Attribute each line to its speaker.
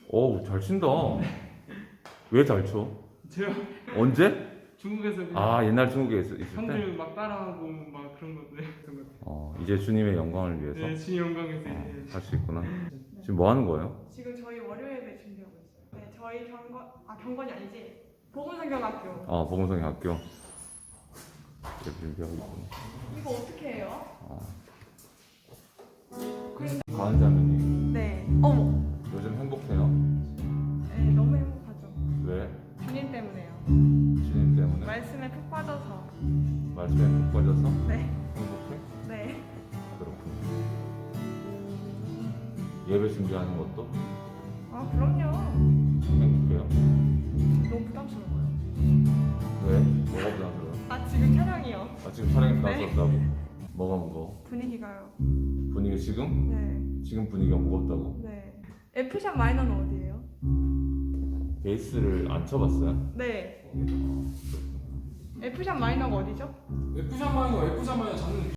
Speaker 1: 어우, 잘 친다. 왜 잘 쳐?
Speaker 2: 제가
Speaker 1: 언제?
Speaker 2: 중국에서 그냥
Speaker 1: 아, 옛날 중국에 있을 때?
Speaker 2: 형들 막 따라하고 막 그런 것들.
Speaker 1: 이제 주님의 영광을 위해서
Speaker 2: 네, 진 영광에서
Speaker 1: 할 수 있구나. 지금 뭐 하는 거예요?
Speaker 3: 지금 저희 월요 예배 준비하고 있어요. 네, 저희 경건이 아니지. 보건성경학교.
Speaker 1: 복음성의 학교. 이제 준비하고 있구나.
Speaker 3: 이거 어떻게 해요?
Speaker 1: 가은 자매님,
Speaker 3: 네. 어머.
Speaker 1: 요즘 행복해요?
Speaker 3: 네, 너무 행복하죠.
Speaker 1: 왜?
Speaker 3: 주님 때문에요.
Speaker 1: 주님 때문에?
Speaker 3: 말씀에 푹 빠져서.
Speaker 1: 말씀에 푹 빠져서?
Speaker 3: 네.
Speaker 1: 행복해?
Speaker 3: 네.
Speaker 1: 그렇군요. 예배 준비하는 것도
Speaker 3: 아, 그럼요.
Speaker 1: 행복해요?
Speaker 3: 너무 부담스러워요.
Speaker 1: 왜? 뭐가 부담스러워요?
Speaker 3: 아, 지금 촬영이요.
Speaker 1: 지금 촬영이
Speaker 3: 네.
Speaker 1: 나왔었다고? 뭐가 무거워?
Speaker 3: 분위기가요.
Speaker 1: 분위기 지금?
Speaker 3: 네.
Speaker 1: 지금 분위기가 무겁다고?
Speaker 3: 네. F샵 마이너는 어디예요?
Speaker 1: 베이스를 안 쳐봤어요?
Speaker 3: 네. F샵 마이너가 어디죠?
Speaker 2: F샵 마이너 잡는